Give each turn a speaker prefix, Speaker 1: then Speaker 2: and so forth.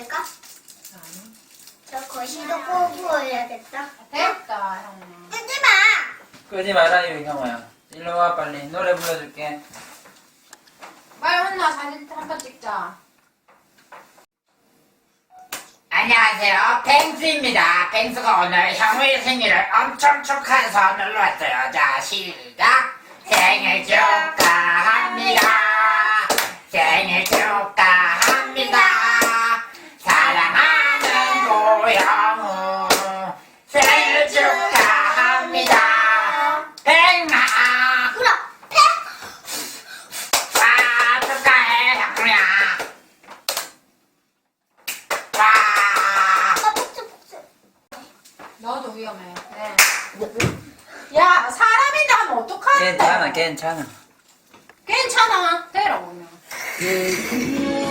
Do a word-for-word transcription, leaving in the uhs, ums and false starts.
Speaker 1: 될까?
Speaker 2: 아니.
Speaker 1: 저 거시도 끄고 해야겠다.
Speaker 2: 됐다, 형아.
Speaker 1: 끄지 마!
Speaker 3: 끄지 말아요, 형아야. 일로 와, 빨리. 노래 불러줄게.
Speaker 2: 빨리 혼나 사진 한 번 찍자.
Speaker 4: 안녕하세요. 뱅수입니다. 뱅수가 오늘 형의 생일을 엄청 축하해서 놀러 왔어요. 자, 시작. 생일 축하합니다. 생일 축하합니다. 사랑하는 고영우 생일 축하합니다. 뱅아.
Speaker 1: 그럼, 패!
Speaker 4: 와, 축하해, 형우야. 와.
Speaker 1: 아빠 폭주, 폭주.
Speaker 2: 너도 위험해. 네. 야, 사람인데 하면 어떡하는데?
Speaker 3: 괜찮아, 괜찮아.
Speaker 2: 괜찮아. 되라고, 그냥.
Speaker 3: 그